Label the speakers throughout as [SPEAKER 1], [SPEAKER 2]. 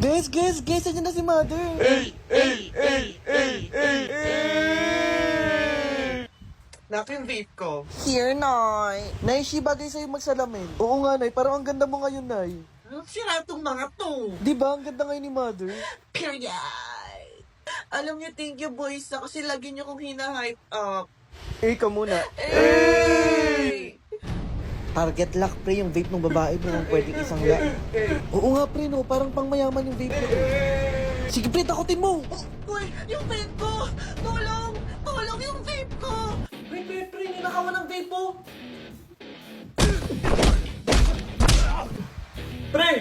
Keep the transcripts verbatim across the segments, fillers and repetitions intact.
[SPEAKER 1] Guys, guys, guys, andyan na si Mother.
[SPEAKER 2] Ay, ay, ay, ay, ay, ay.
[SPEAKER 3] Naku yung vape ko.
[SPEAKER 1] Here, Nay. Nay, si bagay sa'yo magsalamin. Oo nga, Nay. Parang ang ganda mo ngayon, Nay.
[SPEAKER 3] Anong sira tong mga to?
[SPEAKER 1] Di ba? Ang ganda ngayon ni Mother.
[SPEAKER 3] Period. Alam niyo, thank you boys na kasi lagi niyo kong hina-hype up.
[SPEAKER 1] Eh, ka muna.
[SPEAKER 3] Hey!
[SPEAKER 1] Target lock, pre, yung vape ng babae, bro. Ang pwedeng isang lock. Oo nga, pre, no. Parang pangmayaman yung vape nito. Sige, pre, takutin mo.
[SPEAKER 3] Uy, yung vape ko! Tulong! Tulong yung vape ko!
[SPEAKER 1] Pre, pre, pre, ninakawan ng vape mo. Pre!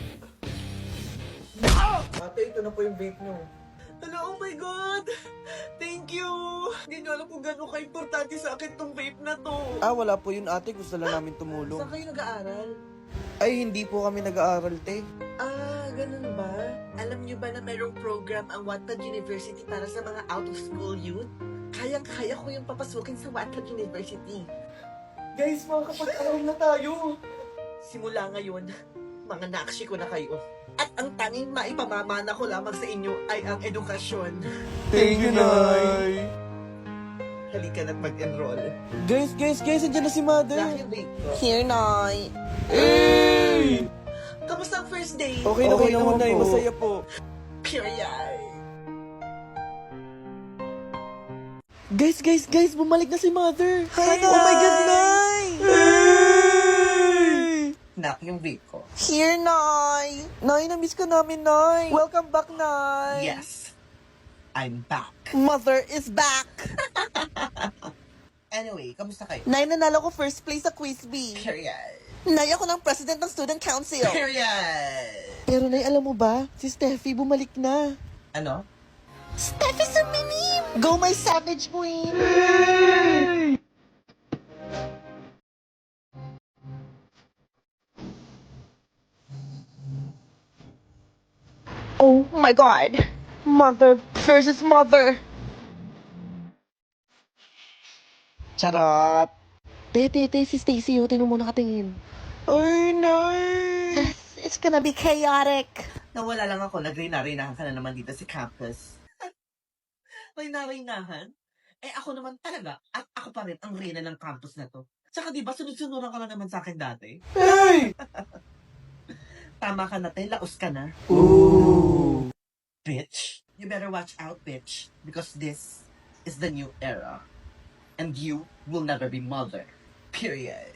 [SPEAKER 1] Ate, ito na po yung vape nyo.
[SPEAKER 3] Hello, oh my God! Thank you! Hindi niyo alam kung gano'n ka-importante sa akin tong vape na to.
[SPEAKER 1] Ah, wala po yun, ate. Gusto lang namin tumulong.
[SPEAKER 3] Saan kayo nag-aaral?
[SPEAKER 1] Ay, hindi po kami nag-aaral, te.
[SPEAKER 3] Ah, ganun ba? Alam niyo ba na mayroong program ang Wattpad University para sa mga out-of-school youth? Kayang-kaya ko yung papasukin sa Wattpad University.
[SPEAKER 1] Guys, makakapag-aral na tayo.
[SPEAKER 3] Simula ngayon, mga nakshi ko na kayo. At ang tanging maipamamana ko lamang sa inyo ay ang edukasyon.
[SPEAKER 1] Thank you, Nay.
[SPEAKER 3] Halika na't mag-enroll.
[SPEAKER 1] Guys, guys, guys, andyan na si Mother.
[SPEAKER 3] Dahil yung vape ko.
[SPEAKER 1] Here, Nay.
[SPEAKER 2] Ay!
[SPEAKER 3] Kamusta ang first day?
[SPEAKER 1] Okay na, okay,
[SPEAKER 2] Okay
[SPEAKER 1] naman,
[SPEAKER 2] naman
[SPEAKER 1] Nay.
[SPEAKER 2] po.
[SPEAKER 1] Masaya po.
[SPEAKER 3] Period.
[SPEAKER 1] Guys, guys, guys, bumalik na si Mother.
[SPEAKER 3] Hi,
[SPEAKER 1] Oh my God,
[SPEAKER 3] Nay.
[SPEAKER 1] Nay.
[SPEAKER 3] Nak yung vape ko.
[SPEAKER 1] Here, Nay. Nay, na-miss ka namin, Nay. Welcome back, Nay.
[SPEAKER 3] Yes. I'm back.
[SPEAKER 1] Mother is back.
[SPEAKER 3] Anyway, kamusta kayo?
[SPEAKER 1] Nay, nanalo ko first place sa Quiz Bee.
[SPEAKER 3] Period.
[SPEAKER 1] Nay, ako ng president ng student council.
[SPEAKER 3] Period.
[SPEAKER 1] Pero, Nay, alam mo ba? Si Steffi bumalik na.
[SPEAKER 3] Ano?
[SPEAKER 1] Steffi suminim! Go, my savage queen! Oh my God! Mother versus mother!
[SPEAKER 3] Charot.
[SPEAKER 1] Te, te, te, si Stacy, oh, tingnan mo nakatingin.
[SPEAKER 3] Ay, nay.
[SPEAKER 1] It's gonna be chaotic.
[SPEAKER 3] Nawala lang ako, nagrina-rinahan ka na naman dito sa campus. Rina-rinahan? Eh ako naman talaga, at ako pa rin ang rina ng campus na to. Tsaka di ba sunod-sunuran ka na naman sa akin dati?
[SPEAKER 2] Ay!
[SPEAKER 3] Tama ka na, te, laos ka na.
[SPEAKER 2] Ooh!
[SPEAKER 3] Bitch. You better watch out, bitch. Because this is the new era. And you will never be mother. Period.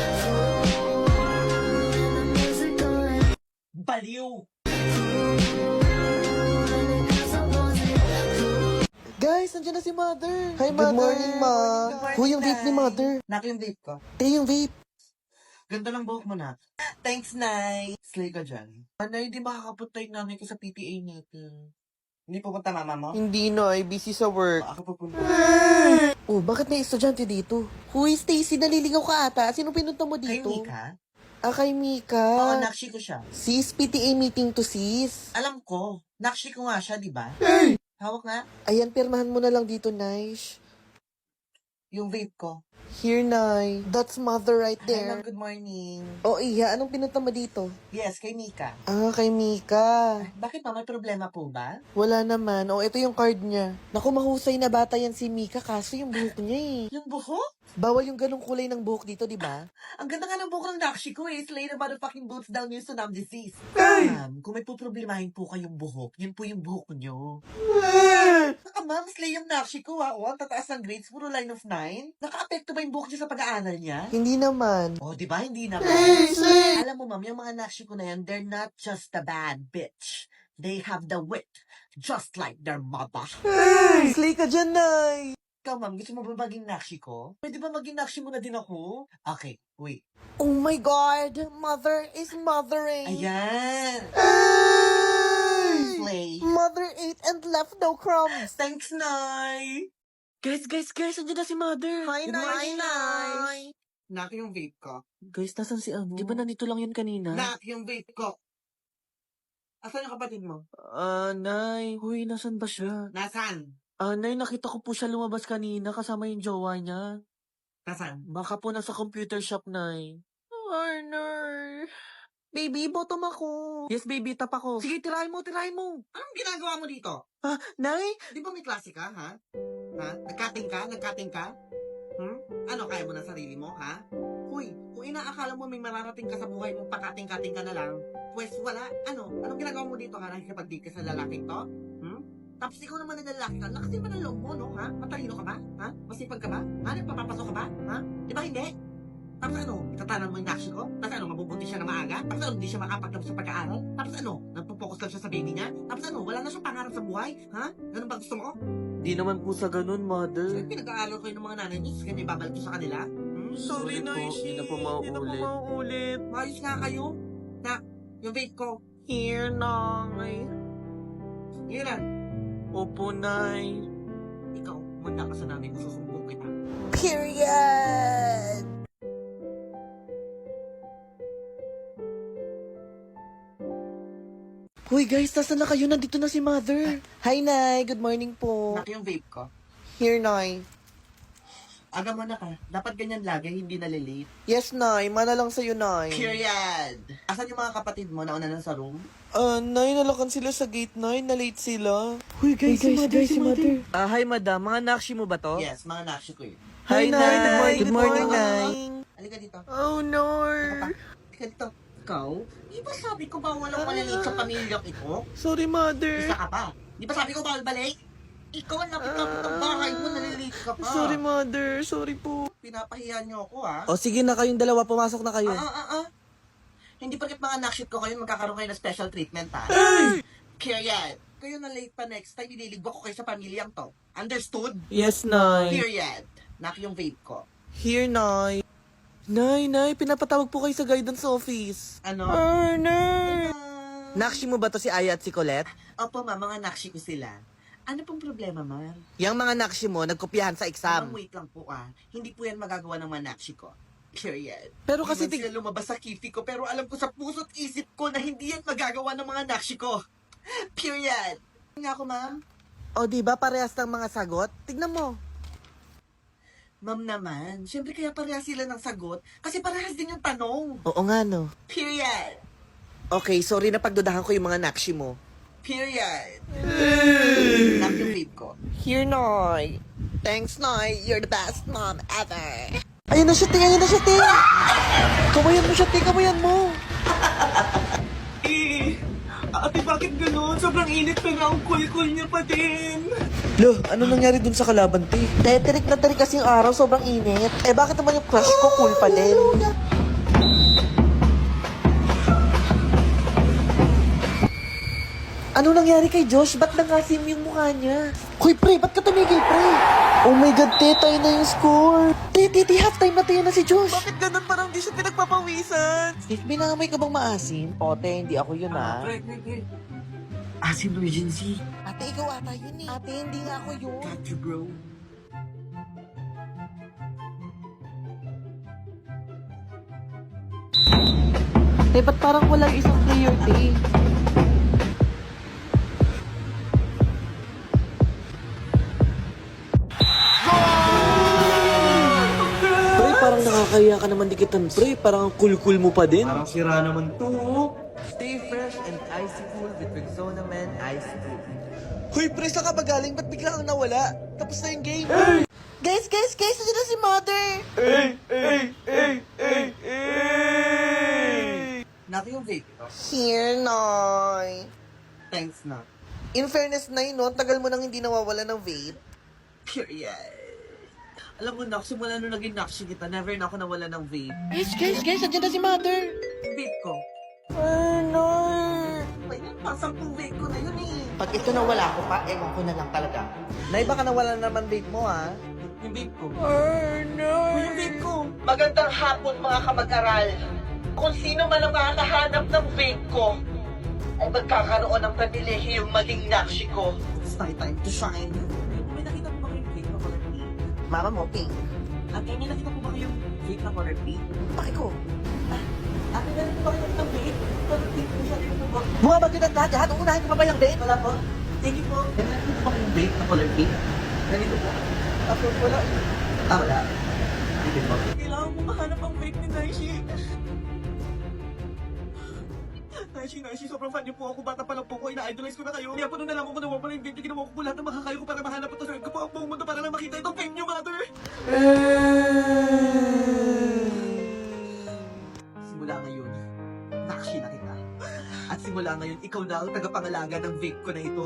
[SPEAKER 3] Baliw!
[SPEAKER 1] Guys, nandiyan na si Mother. Hi,
[SPEAKER 3] Good
[SPEAKER 1] Mother.
[SPEAKER 3] morning, Ma. Good morning,
[SPEAKER 1] Huy, yung vape ni
[SPEAKER 3] Nay.
[SPEAKER 1] Mother.
[SPEAKER 3] Nak yung vape ko.
[SPEAKER 1] Te, yung vape.
[SPEAKER 3] Ganda lang buhok mo na. Thanks, Nay. Slay ka dyan. Nay, di makakapunta yung nanay ko sa P T A natin. Hindi pupunta mama mo?
[SPEAKER 1] Hindi na, ay busy sa work.
[SPEAKER 3] Ako pupunta.
[SPEAKER 1] Oh, bakit may estudyante dito? Huy, Stacy, naliligaw ka ata. Sino pinunta mo
[SPEAKER 3] Kay
[SPEAKER 1] dito?
[SPEAKER 3] Mika?
[SPEAKER 1] Ah, kay
[SPEAKER 3] Oo,
[SPEAKER 1] Mika.
[SPEAKER 3] nakshi ko siya.
[SPEAKER 1] Sis, P T A meeting to sis.
[SPEAKER 3] Alam ko. Nakshi ko nga siya, di ba? Hawak nga.
[SPEAKER 1] Ayan, pirmahan mo na lang dito, Nice.
[SPEAKER 3] Yung vape ko.
[SPEAKER 1] Here, Nay. That's Mother right
[SPEAKER 3] Hi,
[SPEAKER 1] there.
[SPEAKER 3] ma'am. Good morning.
[SPEAKER 1] Oh, iya, anong pinunta mo dito?
[SPEAKER 3] Yes, kay Mika.
[SPEAKER 1] Ah, kay Mika.
[SPEAKER 3] Bakit pa? May problema po ba?
[SPEAKER 1] Wala naman. Oh, ito yung card niya. Naku, mahusay na bata yan si Mika, kaso yung buhok niya eh.
[SPEAKER 3] Yung buhok?
[SPEAKER 1] Bawal yung ganong kulay ng buhok dito, di ba?
[SPEAKER 3] Ang ganda nga ng buhok ng nakshi ko eh. Slay na motherfucking boots down yung tsunami disease.
[SPEAKER 2] Ay!
[SPEAKER 3] Ma'am, kung may puproblemahin po kayong buhok, yun po yung buhok nyo. Naka ma'am, slay yung nakshi ko ha. O, ang tataas ng grades, puro line of nine. Naka-apekto ba yung buhok niya sa pag-aaral niya?
[SPEAKER 1] Hindi naman.
[SPEAKER 3] Oh, di ba? Hindi naman. Alam mo, ma'am, yung mga nakshi ko na yan, they're not just a bad bitch. They have the wit, just like their mother.
[SPEAKER 1] Slay ka dyan, Nay.
[SPEAKER 3] Ikaw, ma'am, gusto mo ba maging nakshi ko? Pwede ba maging nakshi mo na din ako? Okay, wait.
[SPEAKER 1] Oh my God, Mother is mothering.
[SPEAKER 3] Ayan!
[SPEAKER 1] Ay!
[SPEAKER 3] Slay.
[SPEAKER 1] Mother ate and left no crumbs.
[SPEAKER 3] Thanks, Nay!
[SPEAKER 1] Guys, guys, guys, andyan na si Mother.
[SPEAKER 3] Hi,
[SPEAKER 1] Good
[SPEAKER 3] Nay.
[SPEAKER 1] morning, Nay.
[SPEAKER 3] Nak yung vape ko.
[SPEAKER 1] Guys, nasan si ano? Di ba nandito lang yun kanina?
[SPEAKER 3] Nak yung vape ko. Asan yung kapatid mo?
[SPEAKER 1] Ah, Nay. Huy, nasan ba siya?
[SPEAKER 3] Nasaan?
[SPEAKER 1] Ah, Nay, nakita ko po siya lumabas kanina kasama yung jowa niya.
[SPEAKER 3] Nasaan?
[SPEAKER 1] Baka po nasa computer shop, Nay. Ay, Nay.
[SPEAKER 3] Baby, bottom ako. Yes, baby, tap ako. Sige, tirahin mo, tirahin mo. Anong ginagawa mo dito? Ah, Nay? Di ba may klase ka, ha? Ha? Nagkating ka? Nagkating ka? Hmm? Ano, kaya mo na sarili mo, ha? Hoy, kung inaakala mo may mararating ka sa buhay mo, pakating-kating ka na lang, pues wala. Ano? Anong ginagawa mo dito, ha? Nakikipag-date ka sa lalaking to? Hmm? Tapos ikaw naman na lalaki ka, lakas din ba ng loob mo, no? Ha? Matalino ka ba? Ha? Masipag ka ba? Ha? Nagpapapasok ka ba? Ha? Di ba hindi? Tapos ano, tatanan mo yung naksyo ko? Tapos ano, mabubuti siya na maaga? Tapos ano, hindi siya makapagtapos sa pag-aaral? Tapos ano, nagpo-focus lang siya sa baby niya? Tapos ano, wala na siyang pangarap sa buhay? Ha? Ganun ba gusto mo?
[SPEAKER 1] Di naman po sa ganun, mother.
[SPEAKER 3] Sige, pinag-aaral kayo ng mga nanay niyo, kaya ibabalik ko sa kanila? Hmm?
[SPEAKER 1] Sorry, Nay, hindi na po mauulit.
[SPEAKER 3] Hindi na po mauulit. Maayos nga kayo. Na, yung vape ko.
[SPEAKER 1] Here, Nay.
[SPEAKER 3] Yun lang.
[SPEAKER 1] Opo, Nay.
[SPEAKER 3] Ikaw, manda ka sa nanay mo, susumbong kita.
[SPEAKER 1] Period! Hoy guys, nasaan na kayo? Nandito na si Mother. Hi, Nay. Good morning po.
[SPEAKER 3] Nak yung vape ko.
[SPEAKER 1] Here, Nay.
[SPEAKER 3] Aga mo na ka. Dapat ganyan lagi, hindi nalilate.
[SPEAKER 1] Yes, Nay. Mana lang sa'yo, Nay.
[SPEAKER 3] Period. Asan yung mga kapatid mo? Nauna na sa room?
[SPEAKER 1] Ah, Nay, nalakan sila sa gate, Nay. Na-late sila. Hoy, guys, si Mother, si Mother. Ah, hi, Madam. Mga nakshi mo ba to?
[SPEAKER 3] Yes, mga nakshi ko yun.
[SPEAKER 1] Hi, Nay. Good morning,
[SPEAKER 3] Good morning,
[SPEAKER 1] Nay.
[SPEAKER 3] Halika dito.
[SPEAKER 1] Oh, no.
[SPEAKER 3] Halika dito. Ikaw? Di ba sabi ko ba walang maliliit sa pamilyang ito?
[SPEAKER 1] Sorry, Mother.
[SPEAKER 3] Isa ka pa. Di ba sabi ko bawal balik? Ikaw ang lapit-lapit ng bahay mo, naliliit ka pa.
[SPEAKER 1] Sorry, Mother. Sorry po.
[SPEAKER 3] Pinapahiya niyo ako, ha?
[SPEAKER 1] O, sige na kayong dalawa. Pumasok na kayo.
[SPEAKER 3] Ah, ah, ah, ah. Hindi porket mga nakship ko kayo, magkakaroon kayo ng special treatment, ha? Period. Kayo na late pa next time, ililigwa ko kayo sa pamilyang to. Understood?
[SPEAKER 1] Yes, Nay.
[SPEAKER 3] Period. Nak yung vape ko.
[SPEAKER 1] Here, Nay. Nay, Nay, pinapatawag po kayo sa guidance office.
[SPEAKER 3] Ano?
[SPEAKER 1] Oh, Nay.
[SPEAKER 3] Ah.
[SPEAKER 1] Nakshi mo ba to si Aya at si Colette?
[SPEAKER 3] Opo, ma, mga nakshi ko sila. Ano pong problema, ma'am?
[SPEAKER 1] Yang mga nakshi mo, nagkopyahan sa
[SPEAKER 3] Ma'am,
[SPEAKER 1] exam.
[SPEAKER 3] wait lang po, ah. Hindi po yan magagawa ng mga nakshi ko. Period.
[SPEAKER 1] Pero kasi
[SPEAKER 3] Hindi
[SPEAKER 1] tig-
[SPEAKER 3] man sila lumabas sa kifi ko, pero alam ko sa puso't isip ko na hindi yan magagawa ng mga nakshi ko. Period. Nga ako, ma'am.
[SPEAKER 1] O, di ba parehas ng mga sagot? Tignan mo.
[SPEAKER 3] Ma'am naman, syempre kaya parehas sila ng sagot kasi parehas din yung tanong.
[SPEAKER 1] Oo nga, no.
[SPEAKER 3] Period.
[SPEAKER 1] Okay, sorry na pagdudahan ko yung mga nakshi mo.
[SPEAKER 3] Period. Nak yung vape ko.
[SPEAKER 1] Here, Noy. Thanks, Noy. You're the best mom ever. Ayun na siya, Ting. Ayun na siya, Ting. Kamayan mo siya, Ting. Kamayan mo.
[SPEAKER 3] Eh, ate, bakit ganun? Sobrang init pa nga ang cool-cool niya pa din.
[SPEAKER 1] Lo, ano nangyari dun sa kalaban, Ting? Teterik na terik kasi yung araw. Sobrang init. Eh, bakit naman yung crush ko cool pa din? Ano nangyari kay Josh? Ba't nangasim yung mukha niya? Hoy, pre, ba't ka tumigil, pre? Oh my God, te, tayo na yung score. Te, te, te, halftime na tayo na si Josh.
[SPEAKER 3] Bakit ganun? Parang di siya pinagpapawisan.
[SPEAKER 1] Steve, binamay ka bang maasim? O, te, hindi ako yun, ha?
[SPEAKER 3] Pre, pre, pre. Asim emergency.
[SPEAKER 1] Ate, ikaw ata yun, eh. Ate, hindi nga ako yun.
[SPEAKER 3] Got you, bro.
[SPEAKER 1] Te, ba't parang wala yung isang player, te? Pre, parang nakakaya ka naman dikitan, pre. Parang ang cool-cool mo pa din.
[SPEAKER 3] Parang sira naman to.
[SPEAKER 1] Stay fresh and icy cool with Rexona Man Ice Cool. Hoy, pre, saan ka ba galing? Ba't bigla kang nawala? Tapos na yung game. Guys, guys, guys, nandiyan na si Mother.
[SPEAKER 2] Hey, hey, hey, hey, hey.
[SPEAKER 3] Nak yung vape ko.
[SPEAKER 1] Here, Noy.
[SPEAKER 3] Thanks, Nak.
[SPEAKER 1] In fairness, Nay, no? Tagal mo nang hindi nawawala ng vape.
[SPEAKER 3] Period. Alam mo, Nak, simula nung naging nakshi kita, never na ako nawala ng vape.
[SPEAKER 1] Guys, guys, guys, nandiyan na si Mother.
[SPEAKER 3] Yung vape ko.
[SPEAKER 1] Oh, Noy.
[SPEAKER 3] Ay, pang sampung vape ko na yun eh.
[SPEAKER 1] Pag ito nawala ko pa, ewan ko na lang talaga. Nay, baka nawala na naman vape mo, ha?
[SPEAKER 3] Yung vape ko.
[SPEAKER 1] Oh, no.
[SPEAKER 3] Yung vape ko. Magandang hapon, mga kamag-aral. Kung sino man ang makakahanap ng vape ko, ay magkakaroon ng pribilehiyong maging nakshi ko. It's my time to shine. May nakita mo ba yung vape na color pink?
[SPEAKER 1] Mama mo, pink.
[SPEAKER 3] Ate, may nakita mo ba yung vape na color pink?
[SPEAKER 1] Bakit ko?
[SPEAKER 3] Ate, meron po ba kayo ng vape? Color pink po siya. Tingnan mo ba?
[SPEAKER 1] Mga bagyo ng lahat, lahat. Unahin ko pa ba yung vape?
[SPEAKER 3] Wala po. Thank you po. May nakita mo ba kayong vape na color pink? Ganito po.
[SPEAKER 1] Ako, wala.
[SPEAKER 3] Ah, wala. Hindi po. Kailangan mo mahanap ang vape ni Naishi. Naishi, Naishi, sobrang fan niyo po ako. Bata pa lang po ako, ina-idolize ko na kayo. Kaya po nung nalaman ko na wala yung vape, ginawa ko po lahat ng makakayo ko para mahanap at asarap ko po ang buong mundo para lang makita itong vape niyo, mother. Simula ngayon, nakshi na kita. At simula ngayon, ikaw na ang tagapangalaga ng vape ko na ito.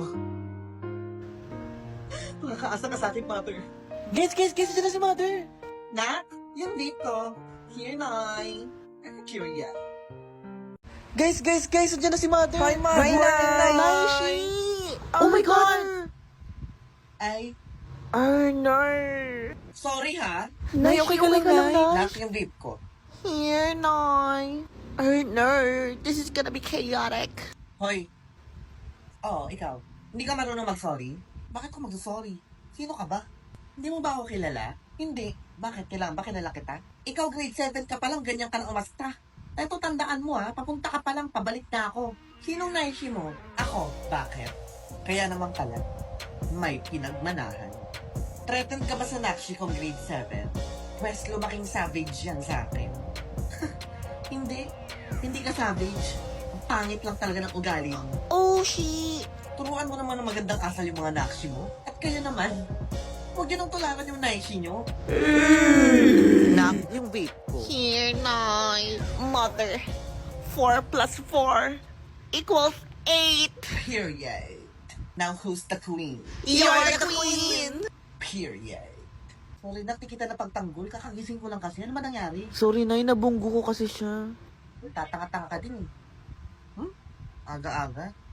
[SPEAKER 3] Makakaasa ka sa akin, mother.
[SPEAKER 1] Guys, guys, guys, nandiyan na si Mother.
[SPEAKER 3] Nak, yung vape ko. Here, Nay. Cheerio.
[SPEAKER 1] Guys, guys, guys, nandiyan na si Mother.
[SPEAKER 2] Hi, Ma.
[SPEAKER 1] Good
[SPEAKER 2] Good morning,
[SPEAKER 1] morning,
[SPEAKER 2] Nay.
[SPEAKER 1] Naishi. Oh, my God.
[SPEAKER 3] Ay,
[SPEAKER 1] Arnar.
[SPEAKER 3] sorry ha.
[SPEAKER 1] Nay, okay ka lang, Nay?
[SPEAKER 3] Nak, yung vape ko.
[SPEAKER 1] Here, Nay. Arnar, this is gonna be chaotic.
[SPEAKER 3] Hoy. Oo, ikaw. Hindi ka marunong mag-sorry? Bakit ko mag-sorry? Sino ka ba? Hindi mo ba ako kilala? Hindi. Bakit? Kailangan ba kilala kita? Ikaw grade seven ka pa lang, ganyan ka na umasta. Eto, tandaan mo ha, papunta ka pa lang, pabalik na ako. Sinong naishi mo? Ako. Bakit? Kaya naman pala, may pinagmanahan. Threatened ka ba sa nakshi kong grade seven? Pwes lumaking savage yan sa akin. Hindi. Hindi ka savage. Ang pangit lang talaga ng ugali mo.
[SPEAKER 1] Oh, shit.
[SPEAKER 3] Turuan mo naman ng magandang asal yung mga nakshi mo. At kayo naman, huwag yun ang tularan yung naishi nyo.
[SPEAKER 1] Nak, yung vape ko. Here, Nay. Mother. Four plus four equals eight.
[SPEAKER 3] Period. Now who's the queen?
[SPEAKER 1] You're the queen.
[SPEAKER 3] Period. Sorry, nakti kita na pagtanggol. Kakagising ko lang kasi. Ano ba nangyari?
[SPEAKER 1] Sorry, Nay. Nabunggo ko kasi siya.
[SPEAKER 3] Tatanga-tanga ka din eh. Hmm? Aga-aga.